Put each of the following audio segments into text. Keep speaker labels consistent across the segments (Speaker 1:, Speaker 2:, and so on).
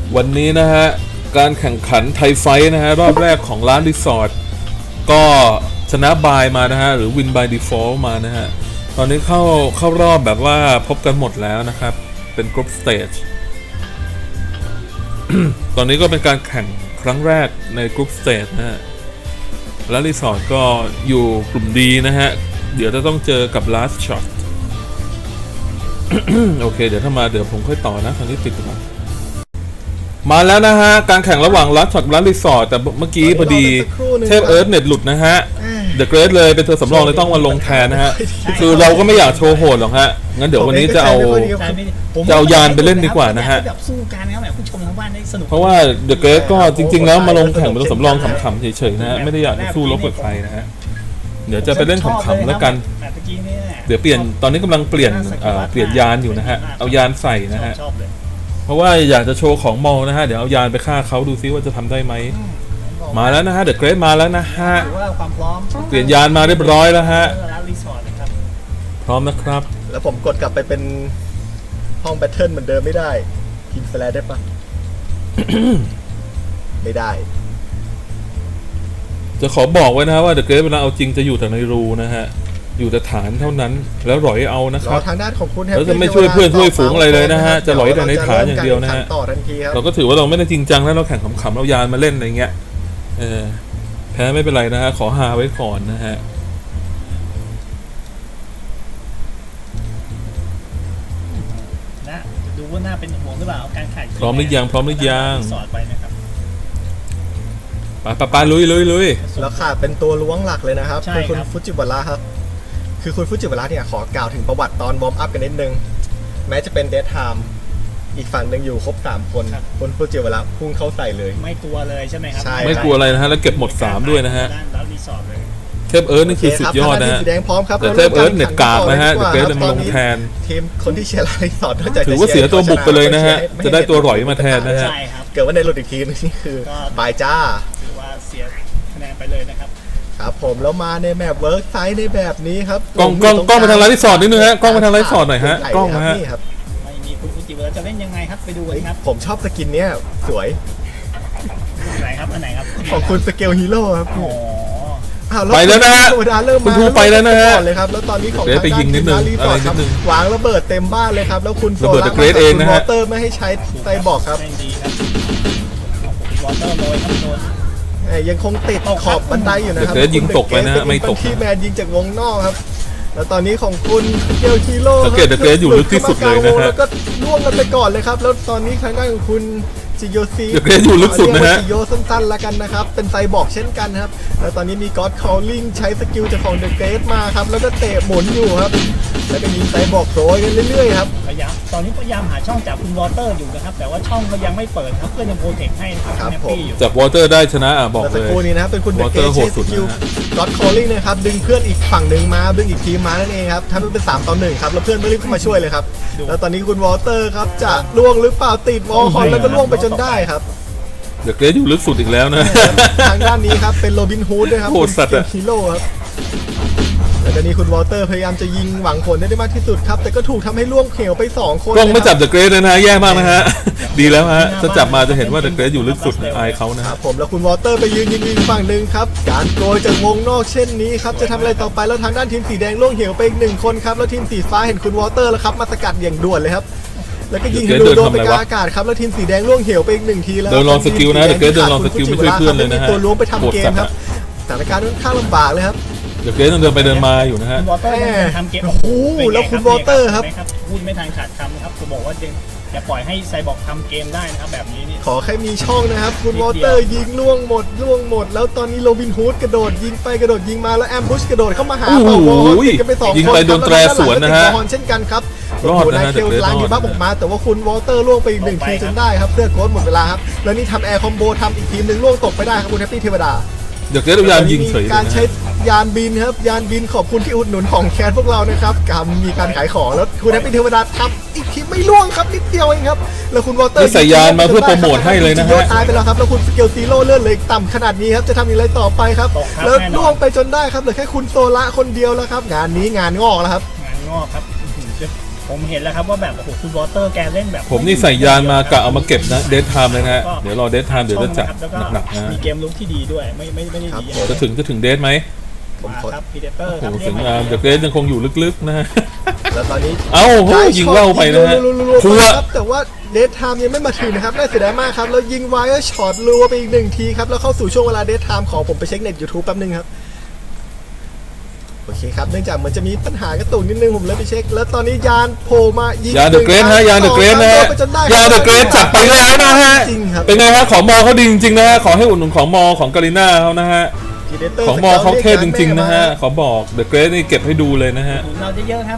Speaker 1: วันนี้นะฮะการแข่งขันไทยไฟท์นะฮะรอบแรกของร้านรีสอร์ทก็ชนะบายมานะฮะหรือวินบายดีฟอลต์มานะฮะตอนนี้เข้ารอบแบบว่าพบกันหมดแล้วนะครับเป็นกรุ๊ปสเตจ ตอนนี้ก็เป็นการแข่งครั้งแรกในกรุ๊ปสเตจนะฮะแล้วรีสอร์ทก็อยู่กลุ่มดีนะฮะเดี๋ยวจะต้องเจอกับ last shot โอเคเดี๋ยวถ้ามาเดี๋ยวผมค่อยต่อนะทางนี้ปิดก่อนมาแล้วนะฮะการแข่งระหว่างลัสช็อตกับรีสอร์ทแต่เมื่อกี้พอดีเทพเอิร์ธเน็ตหลุดนะฮะเดอะเกรทเลยเป็นเธอสำรองเลยต้องมาลงแทนนะฮะคือเราก็ไม่อยากโชว์โหดหรอกฮะงั้นเดี๋ยววันนี้จะเอายานไปเล่นดีกว่านะฮะเพราะว่าเดอะเกรทก็จริงๆแล้วมาลงแข่งเป็นตัวสำรองขำๆเฉยๆนะฮะไม่ได้อยากสู้รบกับใครนะฮะเดี๋ยวจะไปเล่นขำๆแล้วกันเดี๋ยวตอนนี้กำลังเปลี่ยนยานอยู่นะฮะเอายานใส่นะฮะเพราะว่าอยากจะโชว์ของมอลนะฮะเดี๋ยวเอายานไปฆ่าเขาดูซิว่าจะทำได้ไหมมาแล้วนะฮะเดอะเกรทมาแล้วนะฮะเปลี่ยนยานมาเรียบร้อยแล้วฮะพร้อมนะครับ
Speaker 2: แล้วผมกดกลับไปเป็นห้องแบทเทิลเหมือนเดิมไม่ได้พิมพ์สแลชได้ปะ ไม่ได้
Speaker 1: จะขอบอกไว้นะฮะว่าเดอะเกรทเวลาเอาจริงจะอยู่แต่ในรูนะฮะอยู่แต่ฐานเท่านั้นแล้วหลอยเอานะครับ
Speaker 2: ทางด้านของคุณ
Speaker 1: แล้วจะไม่ช่วยเพื่อนช่วยฝูงอะไรเลยนะฮะจะหลอยแต่ในฐานอย่างเดียวนะฮะเราก็ถือว่าเราไม่ได้จริงจังแล้วเราแข่งขำๆเรายานมาเล่นอะไรเงี้ยแพ้ไม่เป็นไรนะฮะขอฮาไว้ก่อนนะฮะ
Speaker 3: นะดูว่าน่าเป็นห่วงหรือเปล่าการแข่ง
Speaker 1: พร้อมหรือยังพร้อมหรือยัง
Speaker 3: สอดไปนะครับ
Speaker 1: ไปลุย
Speaker 2: แล้วขาดเป็นตัวล้วงหลักเลยนะครับคือคุณฟุจิวาระครับคือคุณฟุจิวาระเนี่ยขอกล่าวถึงประวัติตอนวอร์มอัพกันนิดนึงแม้จะเป็นเดทไทม์อีกฝั่งหนึ่งอยู่ครบ3คนคุณฟุจิวาระพุ่งเข้าใส่เลย
Speaker 3: ไม่กลัวเลยใช่ไหมครับ
Speaker 1: ไม่กลัวอะไรนะฮะแล้วเก็บหมด3ด้วยนะฮะเทพเอิร์ธนี่คือสุดยอดนะฮะแต่เทพเอิร์ธเน็ตกากนะฮะเดอะเกรทมาลงแทน
Speaker 2: ทีมคนที่เชียร์รีสอร์ท
Speaker 1: ถือว่าเสียตัวบุกไปเลยนะฮะจะได้ตัวหลอยมาแทนนะฮะ
Speaker 2: เกิดว่าในหลุดอีกทีนี่คือบายจ้า
Speaker 3: ว่าเสียคะแนนไปเลยนะครับ
Speaker 2: ครับผมแล้วมาในแมปเวิร์กไซส์ในแบบนี้ครับ
Speaker 1: กล้องมาทางรีสอร์ทนิดนึงฮะกล้องมาทางรีสอร์ทหน่อยฮะกล้องนะฮะ
Speaker 3: ไม่มีคุณฟูจิวาระจะเล่นยังไงครับไปดูกันครับ
Speaker 2: ผมชอบสกินเนี้ยสวย
Speaker 3: ไหนครับอันไหนครับ
Speaker 2: ของคุณสเกลฮีโร่ครับ
Speaker 1: ไปแล้วนะฮะคุณทูไปแล้วนะฮะ
Speaker 2: เลยครับแล้วตอนนี้ของ
Speaker 1: ไปยิงนิดนึงอะไรนิดนึง
Speaker 2: วางระเบิดเต็มบ้านเลยครับแล้วคุณ
Speaker 1: ระเบิดเกรดเองนะฮะ
Speaker 2: วอเตอร์ไม่ให้ใช้ไซบอร์กครับ
Speaker 3: วอเตอร์โรยครับโดน
Speaker 2: ยังคงติดขอบบันไดอยู่นะครับ
Speaker 1: เกรดยิงตกไปนะฮะไม่ตก
Speaker 2: ที่แมนยิงจากวงนอกครับแล้วตอนนี้ของคุณเกลคีโร่
Speaker 1: สังเกตเกรดอยู่ลึกที่สุดเลยนะฮะ
Speaker 2: แล้วก็ล่วงกันไปก่อนเลยครับแล้วตอนนี้ทางด้านของคุณจิโยซี
Speaker 1: เกรดอยู่ลึกสุดนะฮะ
Speaker 2: จิโยสั้นๆแล้วกันนะครับเป็นไซบอร์กเช่นกันครับแล้วตอนนี้มีก็อดคอลลิ่งใช้สกิลจากของเดอะเกรดมาครับแล้วก็เตะหมุนอยู่ครับแล้วก็ยิงไซบอร์กโรยกันเรื่อยๆครับ
Speaker 3: ตอนนี้พยายามหาช่องจากคุณวอเตอร์อยู่นะครับแต่ว่าช่องก็ยังไม่เปิดครับเพื่อนยังโปรเทคให้นะครับ
Speaker 1: จากวอเตอร์ได้ชนะบอกเลย
Speaker 2: แต่สกูนี้นะครับเป็นคุณเดอะเกรดใช้สกิลก็อดคอลลิ่งนะครับดึงเพื่อนอีกฝั่งหนึ่งมาดึงอีกทีมมานั่นเองครับทำให้เป็น3-1ครับแล้วเพื่อนไม่รีบเข้ามาช่วยเลยครับแล้วตอนนี้คุณวอเตอร์ครับจะล่วงหรือเปล่าติดวอลคอนแล้วก็ล่วงไปจนได้ครับ
Speaker 1: เดอะเกรดอยู่ลึกสุดอีกแล้วนะ
Speaker 2: ทางด้านนี้ครับเป็นโรบินฮูดด้วยครับเป็นฮีโร่ครับแล้วตอนนี้คุณวอเตอร์พยายามจะยิงหวังผลได้มากที่สุดครับแต่ก็ถูกทำให้ล่วงเขียวไป2คน
Speaker 1: กล้องไม่จับเดอะเกรดเลยนะแย่มากนะฮะดีแล้วฮะจะจับมาจะเห็นว่าเดอะเกรดอยู่ลึกสุดอายเขานะครับ
Speaker 2: ผมแล้วคุณวอเตอร์ไปยืนยิงฝั่งหนึ่งครับการโกยจากวงนอกเช่นนี้ครับจะทำอะไรต่อไปแล้วทางด้านทีมสีแดงล่วงเหี่ยวไปอีก1คนครับแล้วทีมสีฟ้าเห็นคุณวอเตอร์แล้วครับมาสกัดอย่างด่วนเลยครับแล้วก็ยิงให้โดนไปกลางอากาศครับแล้วทีมสีแดงล่วงเหี่ยวไปอีก1ทีแล้ว
Speaker 1: เดินลองสกิลนะเดอะเกรดเดินลองสกิลไม่ช่วยเพื่อนเลยนะฮะ
Speaker 2: ตัวล้วงไปทำเกมครับสถานการณ์ค่อนข้างลำบากเลยครับ
Speaker 1: เดี๋ยวเกรดต้องเดินไปเดินมาอยู่นะฮะ
Speaker 3: คุณวอเตอร์ทำเกม
Speaker 2: โอ้โหแล้วคุณวอเตอร์ครับ
Speaker 3: พูดไม่ทันขาดคำนะครับจะบอกว่าอย่าปล่อยให้ไซบอร์กทำเกมได้นะครับแบบนี้นี่
Speaker 2: ขอแค่มีช่องนะครับคุณวอเตอร์ยิงล่วงหมดแล้วตอนนี้โรบินฮูดกระโดดยิงไปกระโดดยิงมาแล้วแอมบูชกระโดดเข้ามาหา
Speaker 1: ต่อวอล
Speaker 2: กันไป2คน
Speaker 1: ยิงไปโดนแตรสวนนะฮะ
Speaker 2: เช่นกันครับ
Speaker 1: รอดนะฮะเดอะเกรด
Speaker 2: ล้างยิงบัฟออกมาแต่ว่าคุณวอเตอร์ล่วงไปอีก1ทีจนได้ครับเสื้อโค้ดหมดเวลาครับแล้วนี่ทำแอร์คอมโบทำอีกทีมนึงล่วงตกไปได้ครับคุณแฮปปี้เทวดา
Speaker 1: เดี๋ยวเกรดยานยิงเฉย
Speaker 2: การใช้ยานบินครับยานบินขอบคุณที่อุดหนุนของแคนพวกเรานะครับมีการขายของแล้วคุณแฮปปี้เทวดาทำอีกทีไม่ล่วงครับนิดเดียวเองครับแล้วคุณวอเตอร์
Speaker 1: ใส่ยานมาเพื่อโปรโมทให้เลยนะฮะ
Speaker 2: ตายไปแล้วครับแล้วคุณสเกลซีโร่เลื่อนเลยต่ำขนาดนี้ครับจะทำอย่างไรต่อไปครับแล้วล่วงไปจนได้ครับเหลือแค่คุณโซละคนเดียวแล้วครับงานนี้งานงอกแล้วครับ
Speaker 3: งานงอกครับผมเห็นแล้วครับว่าแบบโอ้โหคุณวอเตอร์แกเล่นแบบ
Speaker 1: ผมนี่ใส่ยานมากะเอามาเก็บนะเดทไทม์เลยนะฮะเดี๋ยวรอเดทไทม์เดี๋ยวจะจัด
Speaker 3: แล้วก็
Speaker 1: หนักๆนะฮะ
Speaker 3: มีเกมลุกที่ดีด้วยไม่ได้ดี
Speaker 1: จะถึงเดทไหม
Speaker 2: ผม
Speaker 3: มา
Speaker 2: ขอ
Speaker 3: ครับพีเดเตอร์
Speaker 1: โอ้
Speaker 3: ครับ
Speaker 1: โหสวยงามเดอะเกรดยังคงอยู่ลึกๆนะฮะ
Speaker 2: แล้วตอนนี้
Speaker 1: เอ้าโหยิงว่าวไปนะฮะ
Speaker 2: รัว
Speaker 1: พัว
Speaker 2: ๆครับแต่ว่าเดทไทม์ยังไม่มาถึงนะครับน่าเสียดายมากครับแล้วยิงไวเออร์ช็อตรัวไปอีก1ทีครับแล้วเข้าสู่ช่วงเวลาเดทไทม์ของผมไปเช็คเน็ต YouTube แป๊บนึงครับโอเคครับเนื่องจากเหมือนจะมีปัญหากระตุกนิดนึงผมเลยไปเช็คแล้วตอนนี้ยานโผล่มายิง
Speaker 1: ยาเดอะเกรดฮะยาเดอะเกรดนะฮะ
Speaker 2: จนได้
Speaker 1: ยาเดอะเกรดจัดไปแล้วนะฮะ
Speaker 2: จริงครับ
Speaker 1: เป็นไงฮะของมอเขาดีจริงๆนะฮะขอให้อุดหนุนของมอของกาลิน่าเขานะฮะ
Speaker 2: Predator
Speaker 1: ของมอเขาเทพจริงๆนะฮะขอบอกเดอะเกรดนี่เก็บให้ดูเลยนะฮะ
Speaker 3: เราจะเยอะครับ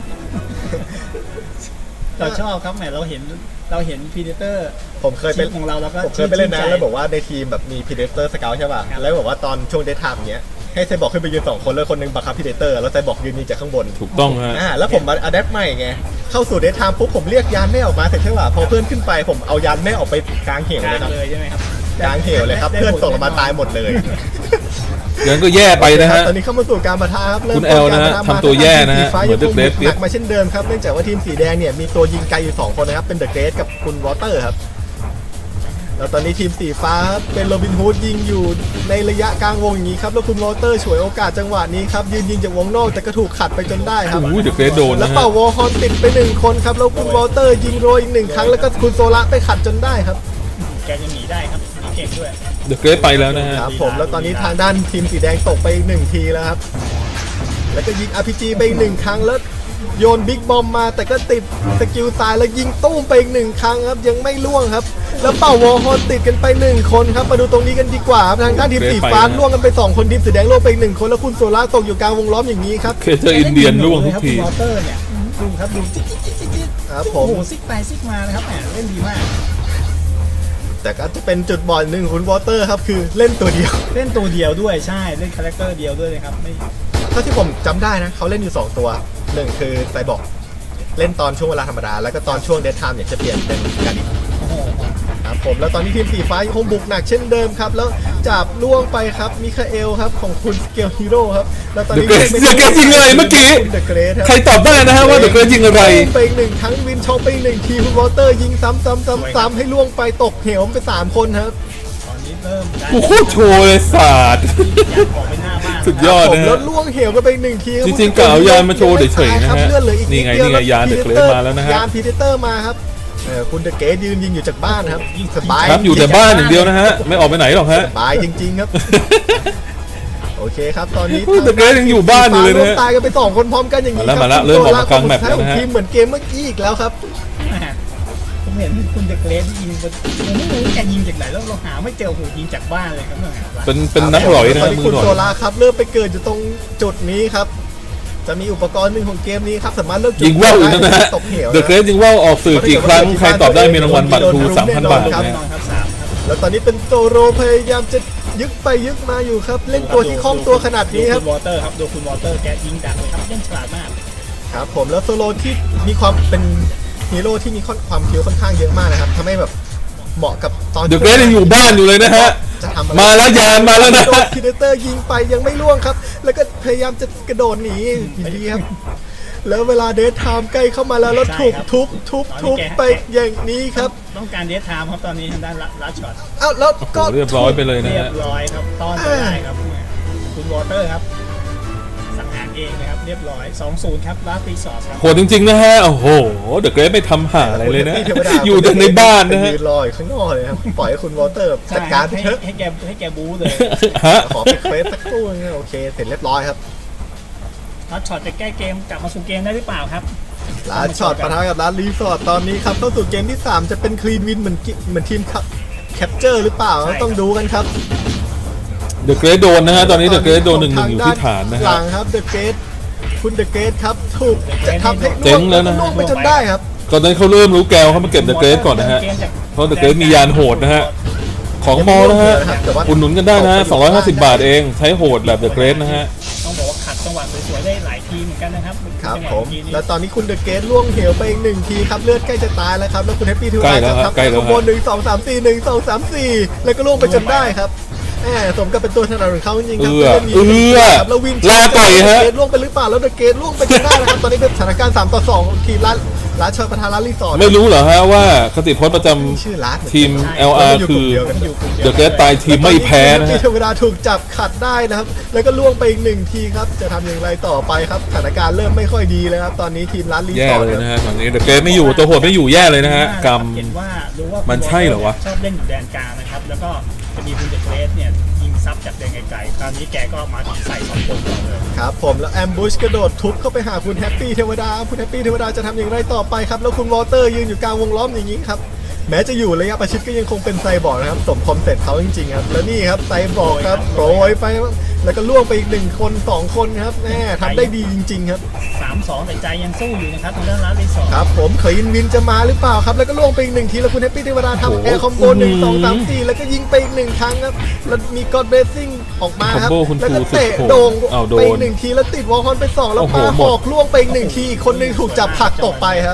Speaker 3: เราชอบครับแหมเราเห็นพีเดเตอร์
Speaker 2: ผมเคยเป็น
Speaker 3: ของเราแล้วก็
Speaker 2: ผมเคยไปเล่นนะ
Speaker 3: ชื่นใจ
Speaker 2: แล้วบอกว่าในทีมแบบมี Predator Scout ใช่ป่ะ
Speaker 3: ครับ
Speaker 2: แล้วบอกว่าตอนช่วงเดทไทม์เนี้ยให้ไซบอร์กขึ้นไปยืน2คนแล้วคนหนึงบังคับ Predator แล้วไซบอร์กยืนยิงจากข้างบน
Speaker 1: ถูกต้องฮะ
Speaker 2: แล้วผมมาอะแดปใหม่ไงเข้าสู่เดทไทม์ปุ๊บผมเรียกยานแม่ออกมาเสร็จใช่ป่ะพอเพื่อนขึ้นไปผมเอายานแม่ออกไปกลางเหว
Speaker 3: ก
Speaker 2: เล
Speaker 3: ลาย ง
Speaker 2: ครับ
Speaker 3: เลยใช่ไหมครับ
Speaker 2: กลางเหวเลยครับเพื่อนตกลงมาตายหมดเลย
Speaker 1: ยังก็แย่ไปนะฮะ
Speaker 2: ตอนนี้เข้ามาสู่การปะทะครับเริ่ม
Speaker 1: คุณแอลนะฮะ
Speaker 2: การป
Speaker 1: ทำตัวแย่นะฮะ
Speaker 2: ทีมสีฟ้า
Speaker 1: เหมื
Speaker 2: ยั
Speaker 1: อง น
Speaker 2: คง
Speaker 1: The Great
Speaker 2: หนักมาเช่นเดิมครับเนื่องจากว่าทีมสีแดงเนี่ยมีตัวยิงไกลอยู่2คนนะครับเป็นเดอะเกรดกับคุณวอเตอร์ครับแล้วตอนนี้ทีมสีฟ้าครับเป็นโรบินฮูดยิงอยู่ในระยะกลางวงอย่างนี้ครับแล้วคุณวอเตอร์ฉวยโอกาสจังหวะนี้ครับยืนยิงจากวงนอกแต่ก็ถูกขัดไปจนได้ครับ
Speaker 1: โอ้ยเดอะเกรดโดน
Speaker 2: แล้ว
Speaker 1: นะฮะ
Speaker 2: เป่าวอลฮอนติดไป1คนครับแล้วคุณวอเตอร์ยิงโรยอีก1ครั้งแล้วก็คุณโซละไปขัดจนได้ครับ
Speaker 3: แกยังหนีได้ครับหนีเก่งด้วย
Speaker 1: เดอะเกรดไปแล้วนะฮะ
Speaker 2: ครับผมแล้วตอนนี้ทางด้านทีมสีแดงตกไปอีก1ทีแล้วครับแล้วก็ยิง RPG ไปอีก1ครั้งแล้วโยนบิ๊กบอมมาแต่ก็ติดสกิลตายแล้วยิงตุ้มไปอีก1ครั้งครับยังไม่ล่วงครับแล้วเป่าวอลฮอนติดกันไป1คนครับมาดูตรงนี้กันดีกว่าครับทางด้านทีมสีฟ้าล่วงกันไป2คนทีมสีแดงล่วงไปอีก1คนแล้วคุณโซล่าตกอยู่กลางวงล้อมอย่างนี้ครับ
Speaker 1: เคเจออินเดียนล่วงทุกที
Speaker 3: คุณวอเตอร์เนี่ยดูครับดูจิ๊กจิ๊กจิ๊กจิ๊ก
Speaker 2: ครับผ
Speaker 3: โอ้
Speaker 2: ม
Speaker 3: โหซิกไปซิกมานะครับแหมเล่นดีมาก
Speaker 2: แต่ก็จะเป็นจุดบอดหนึ่งของคุณวอเตอร์ครับคือเล่นตัวเดียว
Speaker 3: เล่นตัวเดียวด้วยใช่เล่นคาแรคเตอร์เดียวด้วยเลยครับไม่
Speaker 2: เท่าที่ผมจำได้นะเขาเล่นอยู่ 2 ตัวหนึ่งคือไซบอร์กเล่นตอนช่วงเวลาธรรมดา แล้วก็ตอนช่วงเดทไทม์เนี่ยจะเปลี่ยนเป็นการดิ
Speaker 3: โอ้โห
Speaker 2: ครับผมแล้วตอนนี้ทีมสีฟ้ายังคงบุกหนักเช่นเดิมครับ แล้วจับล่วงไปครับมิคาเอลครับของคุณสเกลฮีโร่ครับแล้วตอนนี้
Speaker 1: The Great ยิงอะไรเมื่อกี้
Speaker 2: เดอะเกรทครับ
Speaker 1: ใครตอบได้นะฮะว่าเดอะเกรดยิงอะไร
Speaker 2: ไปอีกหนึ่งครั้งวินชองไปอีกหนึ่งทีคุณวอเตอร์ยิงซ้ำให้ล่วงไปตกเหวไป3 คนครับ
Speaker 3: ตอนนี้เริ่มได้
Speaker 1: กูโคตรโชว์เลยศาสตร์
Speaker 3: อยากออกไปหน้าบ้าน
Speaker 1: สุดยอด
Speaker 2: ผม
Speaker 1: นะ
Speaker 2: แล้
Speaker 1: ฮะ
Speaker 2: วล่วงเหวกันไปอีกหนึ่งทีครับ
Speaker 1: จริงๆกะเอายานมาโชว์เฉยๆนะฮะ
Speaker 2: เลือดเหลืออีก
Speaker 1: นี่ไง
Speaker 2: ดเดีว
Speaker 1: นี่ไงยาน The Great มาแล้วนะฮะ
Speaker 2: ยานพีเดเตอร์มาครับคุณเดอะเกตยืนยิงอยู่จากบ้านครับยิงสบาย
Speaker 1: ครับอยู่แต่บ้านอย่างเดียวนะฮะไม่ออกไปไหนหรอกฮะ
Speaker 2: สบายจริงๆครับ โอเคครับตอนนี้
Speaker 1: เฮ้ย The Great ยังอยู่บ้านอยู่เลยนะฮะ
Speaker 2: ตายกันไป2 คนพร้อมกันอย่างนี้
Speaker 1: มาแล้วเริ่มออกมากลางแมปแล้วนะฮะ
Speaker 2: ทีมเหมือนเกมเมื่อกี้อีกแล้วครับ
Speaker 3: ผมเห็นคุณเดอะเกรดยิงผมไม่รู้แกยิงจากไหนแล้วเราหาไม่เจอโอ้โหยิงจากบ้านเลยครับเนี่ย
Speaker 1: เป็นนักหลอยนะ
Speaker 2: ตอ
Speaker 1: ฮะ
Speaker 2: นนี้
Speaker 1: มื
Speaker 2: คุ
Speaker 1: อ
Speaker 2: ณ
Speaker 1: หลอ
Speaker 2: โซ
Speaker 1: ย
Speaker 2: ลาครับเริ่มไปเกิดอยู่ตรงจุดนี้ครับ จะมีอุปกรณ์หนึ่งของเกมนี้ครับสามารถเลือกจุด
Speaker 1: ยิงว่าวอยู่นะฮะ
Speaker 2: ตกเหว
Speaker 1: เดอะเกรดยิงว่าวออกสื่อกี่ครั้งใครตอบได้มีรางวัลบัตรครู 3,000 บาท
Speaker 3: แน่
Speaker 1: นะ
Speaker 3: นอ
Speaker 1: ฮะ
Speaker 3: นครับ3ครับ
Speaker 2: แล้วตอนนี้เป็นโซโรพยายามจะยึกไปยึกมาอยู่ครับ เล่นตัวที่คล่องตัวขนาดนี้ครับ
Speaker 3: ดูคุณวอเตอร์ครับดูคุณวอเตอร์แกยิงดักเลยครับเล่นฉลาดมาก
Speaker 2: ครับผมแล้วโซโลที่มีความเป็นฮีโร่ที่มีความคิวค่อนข้างเยอะมากนะครับทำให้แบบเหมาะกับตอน
Speaker 1: เดอะเกรดยังอยู่บ้านอยู่เลยนะฮะ
Speaker 2: จะทำอะไร
Speaker 1: มาแล้วยานมาแล้วนะฮะ
Speaker 2: พีเดเตอร์ยิงไปยังไม่ล่วงครับ แล้วก็พยายามจะกระโดดหนีอยู่ดีครับ แล้วเวลาเดทไทม์ใกล้เข้ามาแล้วถูกทุบไปอย่างนี้ครับ
Speaker 3: ต้องการเดทไทม์ครับตอนนี้ทางด้านลัดช็อต
Speaker 2: เอ้าแล้วก็
Speaker 1: เรียบร้อยไปเลยนะ
Speaker 3: เรีย
Speaker 1: ฮะ
Speaker 3: บร้อยครับต้อนไม่ได้ครับคุณวอเตอร์ครับสังหารเองนะครับเรียบร้อย 2-0 ครับลาสตีสอร์สครับ
Speaker 1: โหดจริงๆนะฮะ โอ้โห เดอะเกรดไม่ทำหาอะไรเลยนะ
Speaker 2: เทวดา
Speaker 1: อยู่แต่ในบ้านนะฮะ
Speaker 2: ยืนรออยู่ข้างนอกเลยครับ ปล่อยให้คุณวอเตอร์จัดการไปเถอะ
Speaker 3: ให้แกบู๊เลย
Speaker 1: ฮะ
Speaker 2: ขอไปเควสสักครู่นึงโอเค เสร็จเรียบร้อยครับ
Speaker 3: ลัดช็อตจะแก้เกมกลับมาสู่เกมได้หรือเปล่าครับ
Speaker 2: ร้านช็อตปะทะกับร้านรีสอร์ทตอนนี้ครับเข้าสู่เกมที่ 3 จะเป็นคลีนวินเหมือนทีมแคปเจอร์หรือเปล่า
Speaker 3: ใช่ครับ
Speaker 2: ต้องดูกันครับ
Speaker 1: เดอะเกรดโดนนะฮะ ตอนนี้เดอะเกรดโดน1-1อยู่ที่ฐานนะ
Speaker 2: หลั
Speaker 1: ฮะ
Speaker 2: งครับเดอะเกตคุณเดอะเกตครับถูกจะทำให้
Speaker 1: เจ๊งแล้วนะ
Speaker 2: ล่วงไปจนได้ครับ
Speaker 1: ตอนนั้นเขาเริ่มรู้แกวเขามาเก็บเดอะเกรดก่อนนะฮะ เพราะเดอะเกรดมียานโหดนะฮะ ของมอนะฮะ อุดหนุนกันได้นะฮะ 250 บาทเอง ใช้โหดแบบเดอะเกรดนะฮะ
Speaker 3: ต้องบอกว่าขัดจังหวะสวยๆได้หลายทีเหมือนกันนะครับ
Speaker 2: ครับ
Speaker 3: จังหวะ
Speaker 2: ผม
Speaker 3: เอกี้นี่
Speaker 2: แล้วตอนนี้คุณเดอะเกตล่วงเหวไปอีก1 ทีครับเลือดใกล้จะตายแล้วครับแล้วคุณแฮปปี้ทู
Speaker 1: ใกล้แล้ว
Speaker 2: จะ
Speaker 1: ฮะ
Speaker 2: ทำ
Speaker 1: ใกล้แล้ว
Speaker 2: ขบวน1-2-3-4 แล้วก็ล่วงไปจนได้ครับแหมสมกับเป็นตัวถนัดของเขาจริงๆครับล่นหนีครับแล้ววิน
Speaker 1: ลาก่อยฮะ
Speaker 2: เดอะเกตล่วงไปหรือเปล่าแล้วเดอะเกตล่วงไปจนได้นะครับตอนนี้เป็นสถานการณ์3-2ทีมร้านชอยประธานร้านรีสอร์ท
Speaker 1: ไม่รู้เหรอฮะว่าคติพจน์ประจำ
Speaker 2: ชื่อร้านเหอนกัน
Speaker 1: ทีม LR คือเดอะเกรทตายทีมไม่แพ้นะ
Speaker 2: ที
Speaker 1: ฮะ
Speaker 2: เทวดาถูกจับขัดได้นะครับแล้วก็ล่วงไปอีก1ทีครับจะทำอย่างไรต่อไปครับสถานการณ์เริ่มไม่ค่อยดีเลยครับตอนนี้ทีมร้านรี
Speaker 1: แย่
Speaker 2: สอร์ท
Speaker 1: เลยนะฮะตอนนี้เดอะเกรทไม่อยู่ตัวโหดไม่อยู่แย่เลยนะฮะกรรม
Speaker 3: เห็นว่ารู้ว่า
Speaker 1: มันใช่เหรอวะ
Speaker 3: ชอบเล่นอยู่แดนกลางนะครับแล้วก็จะมีคุณเดอะเกรสเนี่ยยิงซับจากแดนไกลๆตอนนี้แกก็มาถึงใส่2คนก่อนเลย
Speaker 2: ครับผมแล้วแอมบูชกระโดดทุบเข้าไปหาคุณแฮปปี้เทวดาคุณแฮปปี้เทวดาจะทำอย่างไรต่อไปครับแล้วคุณวอเตอร์ยืนอยู่กลางวงล้อมอย่างนี้ครับแม้จะอยู่ระยะประชิดก็ยังคงเป็นไซบอร์กนะครับสมคอมเซ็ปต์เขาจริงๆครับแล้วนี่ครับไซบอร์กครับโปรยไปแล้วก็ล่วงไปอีก1คน2คนครับแม่ทำได้ดีจริงๆครับ
Speaker 3: 3-2แต่ใจยังสู้อยู่นะครับทางด้านร้านรีสอร์ท
Speaker 2: ครับผมเคยินวินจะมาหรือเปล่าครับแล้วก็ล่วงไปอีก1ทีแล้วคุณแฮปปี้เทวดาทำแอร์คอมโบ1 2 3 4แล้วก็ยิงไปอีก1ครั้งครับแล้วมีกอดเบสซิ่งออกมาครับ
Speaker 1: คอมโบคุณ
Speaker 2: แล้วก็
Speaker 1: ครู
Speaker 2: เตะ
Speaker 1: สุดโหด
Speaker 2: โด่ง
Speaker 1: อ้าวโดน
Speaker 2: ไปอีก1ทีแล้วติดวอลคอนไป2แล้ว
Speaker 1: โอ้โห
Speaker 2: มา
Speaker 1: หม
Speaker 2: ห
Speaker 1: ด
Speaker 2: อกล่วงไปอีก1ทีอีกคนหนึงถูกจับผลักตกไปครับ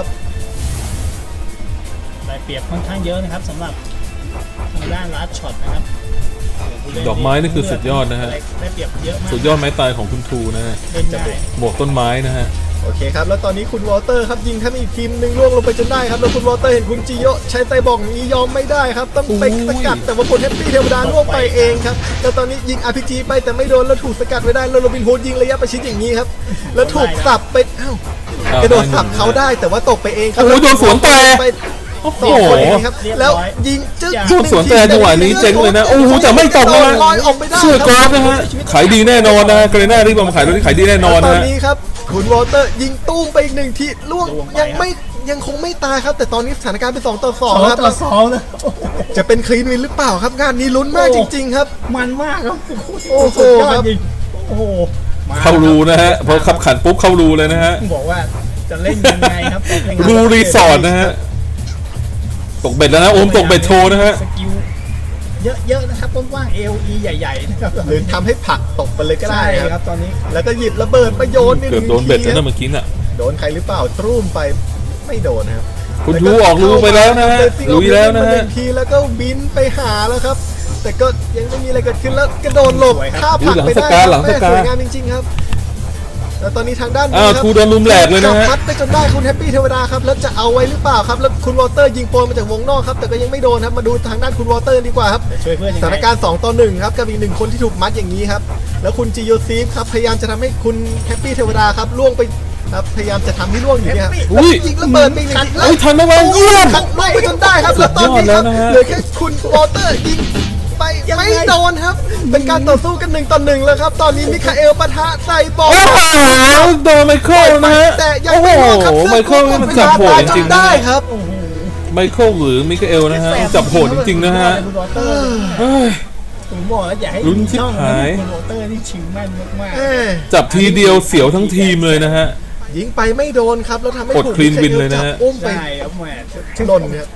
Speaker 3: ได้เปรียบค่อนข้างเยอะนะครับสำหรับทางด้านร้านช็อตนะครับ
Speaker 1: ดอกไม้นี่คือสุดยอดนะฮะ
Speaker 3: ได้เปรียบเยอะมาก
Speaker 1: สุดยอดไม้ตายของคุณทูนะฮะ
Speaker 3: เล่นได้
Speaker 1: บวกต้นไม้นะฮะ
Speaker 2: โอเคครับแล้วตอนนี้คุณวอเตอร์ครับยิงทั้งอีกทีมหนึ่งล่วงลงไปจนได้ครับแล้วคุณวอเตอร์เห็นคุณจิโยะใช้ไซบอร์กนี้ยอมไม่ได้ครับต้องไปสกัดแต่ว่าคุณแฮปปี้เทวดาล่วงไปเองครับแล้วตอนนี้ยิง RPG ไปแต่ไม่โดนแล้วถูกสกัดไว้ได้แล้วโรบินฮูดยิงระยะประชิดอย่างนี้ครับแล้วถูกสับไปอ้าวกระโดดสับเขาได้แต่ว่าตกไปเองครั
Speaker 1: โอ้โหโดนสวนแต่
Speaker 2: ไป
Speaker 1: โอ้โห
Speaker 2: สองคนเองครับแล้วยิงจึ๊ก
Speaker 1: โดนสวนแต่จังหวะนี้เจ๊งเลยนะโอ้โหแต่ไม่ตกนะฮะ
Speaker 2: ลอยออกไม่ได้
Speaker 1: เชื่อ
Speaker 2: ค
Speaker 1: ก
Speaker 2: รั
Speaker 1: ราฟนะฮะขายดีแน่นอนนะเกรน่ารีบมาขายรถที่ขายดีแน่นอน
Speaker 2: ตอ
Speaker 1: นะ
Speaker 2: น
Speaker 1: ฮะ
Speaker 2: นี้ครับคุณวอเตอร์ยิงตุ้มไปอีก1ทีล่วงยังคงไม่ตายครับ แต่ตอนนี้สถานการณ์เป็น2 ต่อ 2ครับ
Speaker 3: 2-2นะ
Speaker 2: จะเป็นคลีนวินหรือเปล่าครับงานนี้ลุ้นมากจริงๆครับ
Speaker 3: มันมากครับ
Speaker 2: โอ้โห
Speaker 3: สุดยอด
Speaker 2: ครับ
Speaker 3: จริงโอ้โหม
Speaker 1: เข้ารูนะฮะพอขับขันปุ๊บเข้ารูเลยนะฮะ
Speaker 3: บอกว่าจะเล่นยังไงครับ
Speaker 1: รูรีสอร์ทนะฮะตกเบ็ดแล้วนะโอมตกเบ็ดโชว์นะฮะ
Speaker 3: สกิลเยอะๆนะครับต้นว่าง AOE ใหญ่ๆนะครับ
Speaker 2: หรือทำให้ผลักตกไปเลยก็ได้
Speaker 3: ใช่
Speaker 2: ค
Speaker 3: ค
Speaker 2: รั
Speaker 3: รั
Speaker 2: บบ
Speaker 3: ตอนนี้
Speaker 2: แล้วก็หยิบระเบิดมาโยน
Speaker 1: เกือบโดนเบ็ดแล้วนะเมื่อกี้น่ะ
Speaker 2: โดนใครหรือเปล่าตรุ่มไปไม่โดนนะครับ
Speaker 1: คุณทูออกรูไปแล้วนะฮะลุยแล้วนะฮะ
Speaker 2: ทีแล้วก็บินไปหาแล้วครับ แต่ก็ยังไม่มีอะไรเกิดขึ้นแล้วกระโดดหลบข้าผลักไปได้ครับแม่สวยงามจริงๆครับแล้วตอนนี้ทางด้านนี้
Speaker 1: อ้าว
Speaker 2: ครับ
Speaker 1: ทูโดนลุมแหลกเลยนะฮะ
Speaker 2: จับพัดไปจนได้คุณแฮปปี้เทวดาครับแล้วจะเอาไว้หรือเปล่าครับแล้วคุณวอเตอร์ยิงโปรยมาจากวงนอกครับแต่ก็ยังไม่โดนครับมาดูทางด้านคุณวอเตอร์ดีกว่าครับ
Speaker 3: ช่วยเพื่อนยัง
Speaker 2: สถาน
Speaker 3: ไง
Speaker 2: การณ์2 ต่อ 1ครับกับอีก1คนที่ถูกมัดอย่างนี้ครับแล้วคุณจิโยซีฟครับพยายามจะทำให้คุณแฮปปี้เทวดาครับล่วงไปครับพยายามจะทำให้ล่วงอยู่เนี่ยครับ
Speaker 1: อุ้ย
Speaker 2: ยิงระเบิดไปอีกหนึ่งที
Speaker 1: เฮ้ยทันไหมวะเยี่ยม
Speaker 2: ขัดล่วงไปจนได้ครับแล้วตอนนี้ครับ
Speaker 1: สุดยอดแล้วนะฮะ
Speaker 2: เหลือแค่คุณวอเตอร์ยิงไปไม่โดนครับเป็นการต่อสู้กัน1 ต่อ 1แล้วครับตอนนี้มิคาเอลปะทะไซบอร์
Speaker 1: โอ้โหโดนไมเคิลนะฮะ
Speaker 2: แต่ยัง
Speaker 1: โอ้โห
Speaker 2: ไม่โดนครับ
Speaker 1: ไมเคิลนี่มันจับโหดจริงๆนะ
Speaker 2: ได้ครับ
Speaker 3: โอ้โห
Speaker 1: ไมเคิลหรือมิคาเอลนะฮะจับโหดจริงๆนะฮะ
Speaker 3: คุณวอเตอร์
Speaker 1: เฮ้ย
Speaker 3: ผมบอกแล้วอย่าให้
Speaker 1: ลุ้นชิบหาย
Speaker 3: คุณวอเตอร์นี่ชิงแม่นมาก
Speaker 2: เอ้ย
Speaker 1: จับทีเดียวเสียวทั้งทีมเลยนะฮะ
Speaker 2: ยิงไปไม่โดนครับแล้วทำให้
Speaker 1: กด
Speaker 2: ถูก
Speaker 1: clean win เลยนะฮะ
Speaker 2: จับอุ้ม
Speaker 3: ๆ
Speaker 2: ไป
Speaker 3: ใช่ครับแหม
Speaker 2: หล่นครับ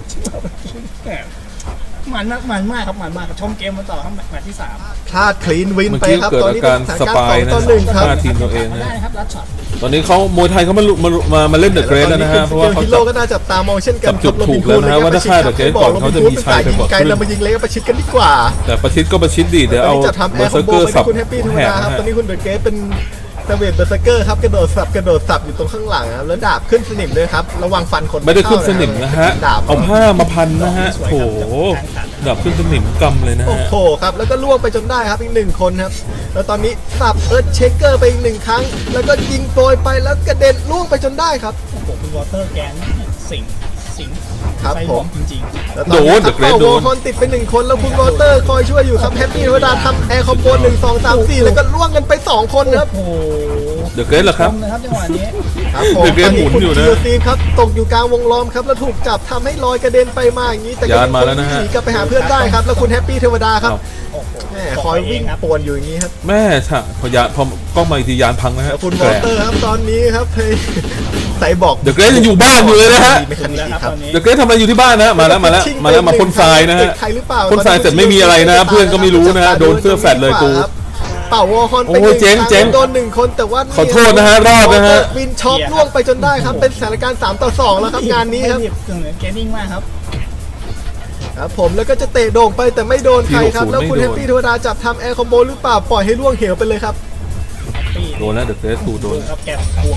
Speaker 3: มันมากครับมันมากชมเกมมาต่อครับแมตช์ที่ 3
Speaker 2: พลาดคลีนวิน
Speaker 1: เมื่อ
Speaker 2: ไป
Speaker 1: กี้
Speaker 2: ครับ
Speaker 1: เกิด
Speaker 2: ตอน
Speaker 1: อา
Speaker 2: นี้
Speaker 1: การ
Speaker 2: เป็น
Speaker 1: ส
Speaker 2: สถาน
Speaker 1: ปาย
Speaker 2: การณ์
Speaker 1: นะ
Speaker 2: 2 ต่อ 1ครับ
Speaker 1: หน้าทีมตัวเอง
Speaker 3: มา
Speaker 1: นะ
Speaker 3: ได้นะครับรัดช็อต
Speaker 1: ตอนนี้เขามวยไทยเขามาเล่นเดอะเกรสแล้วนะฮะเพราะว่าเขา
Speaker 2: ฮิ
Speaker 1: จั
Speaker 2: โร่
Speaker 1: บ
Speaker 2: ก็น่าจับตามองเช่นกัน
Speaker 1: จับจุดถูกแล้วนะฮะว่าถ้าฆ่าเดอะเกรทก่อนเขาจะมีชัยไปกว่า
Speaker 2: ไกล
Speaker 1: ครึ่ง
Speaker 2: เรามายิงเล็กประชิดกันดีกว่า
Speaker 1: แต่ประชิดก็ประชิดดีเดี๋ยว
Speaker 2: ตอน
Speaker 1: เอา
Speaker 2: นี้จะทำแอ
Speaker 1: เบอ
Speaker 2: ร์
Speaker 1: ร์
Speaker 2: ค
Speaker 1: เซ
Speaker 2: อ
Speaker 1: อ
Speaker 2: ม
Speaker 1: ร์
Speaker 2: โบ
Speaker 1: เกอร์
Speaker 2: ไป
Speaker 1: สับ
Speaker 2: ที่คุณแฮปปี้ธรรม
Speaker 1: แหก
Speaker 2: ดาครับ
Speaker 1: นะ
Speaker 2: ตอน
Speaker 1: ฮะ
Speaker 2: นี้คุณเดอะเกตเป็นเซเวตเบอร์เซอร์เกอร์ครับกระโดดสับอยู่ตรงข้างหลังครับแล้วดาบขึ้นสนิมด้วยครับระวังฟันคน
Speaker 1: ไม่ได้ขึ้นสนิมนะฮะ
Speaker 2: ดาบ
Speaker 1: เอาผ้ามาพันนะฮะโถดับขึ้นสนิมกำเลยนะ
Speaker 2: โอ้
Speaker 1: ฮะ
Speaker 2: โหครับแล้วก็ล่วงไปจนได้ครับอีก1 คนครับแล้วตอนนี้สับเอิร์ธเชคเกอร์ไปอีก1 ครั้ง แล้วก็ยิงโปรยไปแล้วกระเด็นล่วงไปจนได้ครับ
Speaker 3: โอ้โหคุณวอเตอร์แกนสิง
Speaker 2: ครับ
Speaker 3: ไซ
Speaker 2: ผ
Speaker 3: บอ
Speaker 2: ม
Speaker 3: ร์กจริง
Speaker 2: แล้วตอนนี้ครับเป่าวอลคอนติดไป1 คนแล้วคุณวอเตอร์คอยช่วยอยู่ครับแฮปปี้เวลาทำแอร์คอมโบ1 2 3 4แล้วก็ล่วงกันไป2 คนครับ
Speaker 3: ๆ โอ้โห
Speaker 1: เดอะเกรสเหรอครับ
Speaker 3: ชมนะครับจังหวะนี้
Speaker 2: ครับผม
Speaker 1: เดี๋ยวเกมหมุนอยู่นะ
Speaker 2: ตคุณจีโครับตกอยู่กลางวงล้อมครับแล้วถูกจับทำให้ลอยกระเด็นไปมาอย่างนี้แต่ก็
Speaker 1: ยานมาแล้วนะฮะ
Speaker 2: หนีกลับไปหาเพื่อนได้ครับแล้วคุณแฮปปี้เทวดาครับ
Speaker 3: โอ้โห
Speaker 2: แหมคอยวิ่งป่วนอยู่อย่างนี้ครับ
Speaker 1: แม่ฉะพอยานพอกล้องมาอีกทียานพังนะฮะ
Speaker 2: แล้วคุณวอเตอร์ครับตอนนี้ครับเฮ้ยใส่บอก
Speaker 1: เดอะเกรสยังอยู่บ้านอยู่เลยนะฮะ
Speaker 2: ไม่คัน
Speaker 3: แล้ว
Speaker 2: นี้
Speaker 3: ครับ
Speaker 2: ครับ
Speaker 3: ตอนนี้
Speaker 1: เดอะเกรสทำอะไรอยู่ที่บ้านนะมาแล้วมาพ่นทรายนะฮะ
Speaker 2: ใครหรือเปล่า
Speaker 1: พ่นทรายเสร็จไม่มีอะไรนะเพื่อนก็ไม่รู้นะฮะโดนเสื้อแฟลตเลยกู
Speaker 2: เป่าวอลคอนไป
Speaker 1: โอ้ยเจ๊ง
Speaker 2: ครั้
Speaker 1: เจ๊ง
Speaker 2: โดน1 คนแต่ว่า
Speaker 1: ขอโทษนะฮะรอดนะฮะ
Speaker 2: วินช็อปล่วงไปจนได้ครับเป็นสถานการณ์3 ต่อ 2แล้วครับงานนี้ครับ
Speaker 3: ไม่รีเหมือนเกมนิ่งมากครับ
Speaker 2: ครับผมแล้วก็จะเตะโด่งไปแต่ไม่โดนใครครับ
Speaker 1: ที่60
Speaker 2: แล้วคุณ
Speaker 1: ไม่
Speaker 2: แฮ
Speaker 1: โด
Speaker 2: ป
Speaker 1: น
Speaker 2: ปี้เทวดาจับทำแอร์คอมโบหรือเปล่าปล่อยให้ล่วงเหวไปเลยครับ
Speaker 1: โดนแล้วเดอะเกรสกูโดน
Speaker 3: ครับแกบวก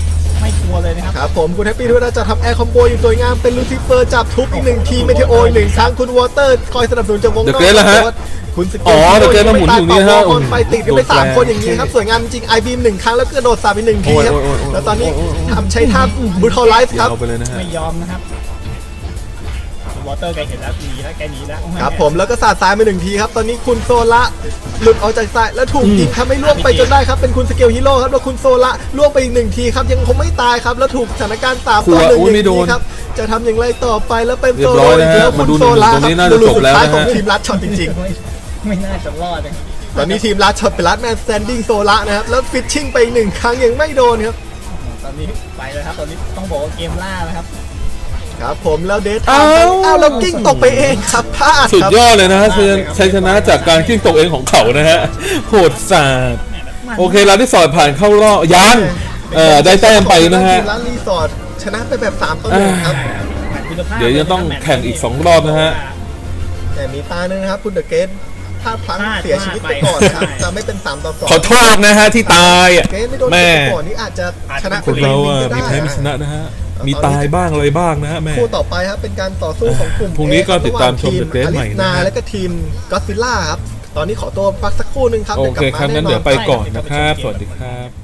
Speaker 3: ไม่กลัวเลยนะครับ
Speaker 2: ครับผมคุณแฮปปี้ด้วยนะจะทำแอร์คอมโบอยู่สวยงามเป็นลูซิเฟอร์จับทุบอีก1ทีเมเทโออีก1ครั้งคุณวอเตอร์คอยสนับสนุนจากวงนอก
Speaker 1: The Great แล้วฮะ
Speaker 2: คุณส
Speaker 1: อ๋อ The Great มาหมุนอยู่นี่ฮะ
Speaker 2: คนไปติดกันไป
Speaker 1: โดนแปล
Speaker 2: 3 คนอย่างนี้ครับสวยงามจริงไอบีม1ครั้งแล้วก็กระโดดสาบอีก1ทีครับ
Speaker 1: โอ้ย
Speaker 2: แล้วตอนนี้ทำใช้ท่าบูทอลไลฟ์ครับ
Speaker 1: เอาไปเลยนะฮะ
Speaker 3: ไม่ยอมนะครับวอเตอร์แกเห็นแล้วหนีแล้วแกหนีแล้ว
Speaker 2: ครับผมแล้วก็สาดทรายไป1ทีครับตอนนี้คุณโซละหลุดออกจากทรายแล้วถูกยิงทำให้ล่วงไปจนได้ครับเป็นคุณสเกลฮีโร่ครับแล้วคุณโซละล่วงไปอีก1ทีครับยังคงไม่ตายครับแล้วถูกสถานการณ์3ต่อ1อย่างนี้ครับจะทำอย่างไรต่อไปแล้วเป็นโซ
Speaker 1: เรียบร้อย
Speaker 2: โล่
Speaker 1: นะฮะ
Speaker 2: แล้ว
Speaker 1: มา
Speaker 2: คุณ
Speaker 1: ดู
Speaker 2: โซละ
Speaker 1: ตรงนี้
Speaker 2: ค
Speaker 1: น่า
Speaker 2: รับ
Speaker 1: จะ
Speaker 2: ดู
Speaker 1: จบแล้ว
Speaker 2: สุดท้าย
Speaker 1: นะ
Speaker 2: ของ
Speaker 1: ฮะ
Speaker 2: ทีมรัดช็อตจริง
Speaker 3: ไม่น่าจะรอดเลย
Speaker 2: ๆ ตอนนี้ทีมรัดช็อตเป็นรัดแมนสแตนดิ้งโซละนะครับแล้วฟิชชิ่งไปอีก1ครั้งยังไม่โดนครับ
Speaker 3: ตอนนี้ไปแล้วครับตอนนี้ต้องบอกว่าเกมล่านะครับ
Speaker 2: ครับผมแล้วเดท
Speaker 1: อ้าว
Speaker 2: อ้าวแล้วกิ้งตกไปเองครับพลาด
Speaker 1: สุด
Speaker 2: ครับ
Speaker 1: ยอดเลยนะฮะชัยชนะจากการกิ้งตกเองของเขานะฮะโหดสาดโอเคร้านที่สอดผ่านเข้ารอบยังได้แต้มไปนะฮะ
Speaker 2: ทีมร้านรีสอร์ทชนะไปแบบ3ต่อ1ครับ
Speaker 1: เดี๋ยวยังต้องแข่งอีก2รอบนะฮะ
Speaker 2: แต่มีตาหนึ่งนะครับคุณเดอะเกตพลาดพลั้งเสียชีวิตไปก่อนนะครับจะไม่เป็น3ต่อ2
Speaker 1: ขอโทษนะฮะที่ตายอ่ะ
Speaker 2: เกตไม่โดน
Speaker 1: แม่
Speaker 2: เตะก่อนนี่อาจจะชนะ
Speaker 1: คนเราอ่ะ
Speaker 2: ก็
Speaker 1: มี
Speaker 2: ได้
Speaker 1: แพ้มีชนะนะฮะมีตายบ้างอะไรบ้างนะฮะแม่
Speaker 2: คู่ต่อไปครับเป็นการต่อสู้ของกลุ่ม
Speaker 1: พรุ่งนี้ก็ติดตามชม
Speaker 2: ระหว่ง
Speaker 1: The Great ใหม่นะฮะ
Speaker 2: อลิสนาและก็ทีมก็อดซิลล่าครับตอนนี้ขอตัวพักสักครู่หนึงครับ
Speaker 1: โอ
Speaker 2: ดี๋ยวก
Speaker 1: เค
Speaker 2: ลับมา
Speaker 1: ครับงั้น
Speaker 2: แอ
Speaker 1: เดี๋ยวไปก่อนนะครับ สวัสดีครับ